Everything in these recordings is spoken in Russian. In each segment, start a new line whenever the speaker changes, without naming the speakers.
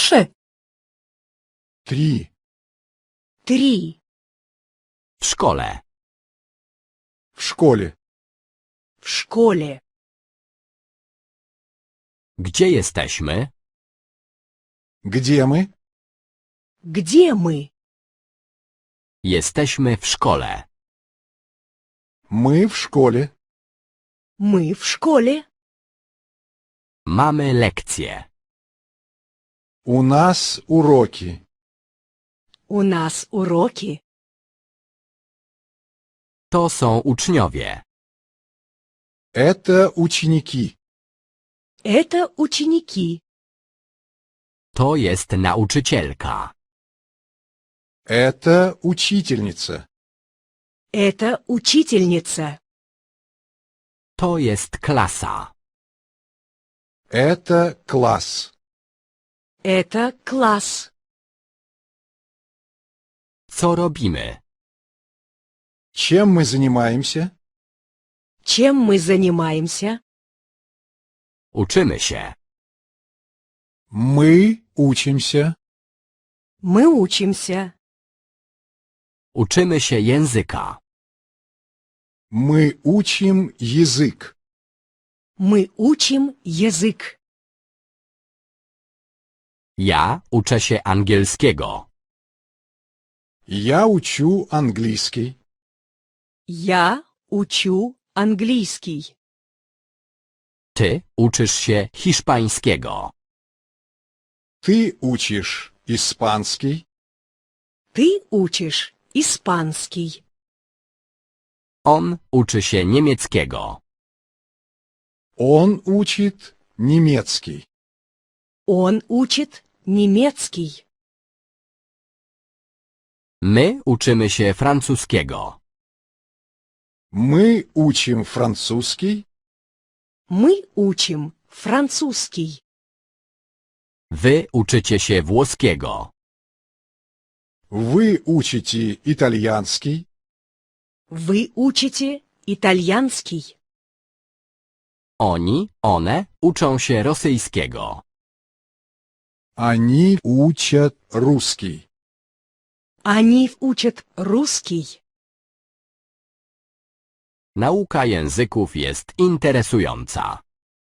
Больше?
3.
3.
W szkole.
В школе.
В школе.
Gdzie jesteśmy?
Где мы?
Где мы?
Jesteśmy w szkole.
Мы в школе.
Мы в школе.
Mamy lekcje.
У нас уроки.
У нас уроки.
To są uczniowie.
Это ученики.
Это ученики.
To jest nauczycielka.
Это учительница.
Это учительница.
To jest klasa.
Это класс.
Это класс.
Co robimy?
Чем мы занимаемся?
Чем мы занимаемся?
Uczymy się.
Мы учимся.
Мы учимся.
Uczymy się języka.
Мы учим язык.
Мы учим язык.
Ja uczę się angielskiego.
Я учу английский.
Я учу английский.
Ty uczysz się hiszpańskiego.
Ты учишь испанский.
Ты учишь испанский.
On uczy się niemieckiego.
Он учит немецкий.
Он учит немецкий.
My uczymy się francuskiego.
Мы учим французский.
Мы учим французский.
Wy uczycie się włoskiego.
Вы учите итальянский.
Вы учите итальянский.
One uczą się rosyjskiego.
Они учат русский.
Они учат русский.
Nauka języków jest interesująca.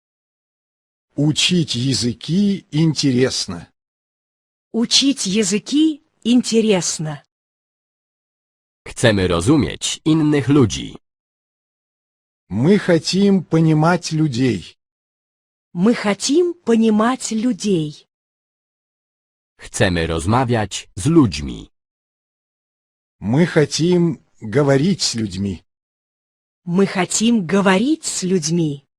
Учить языки интересно.
Учить языки интересно.
Chcemy rozumieć innych ludzi.
Мы хотим понимать людей.
Мы хотим понимать людей.
Chcemy rozmawiać z ludźmi.
Мы хотим говорить с людьми.
Мы хотим говорить с людьми.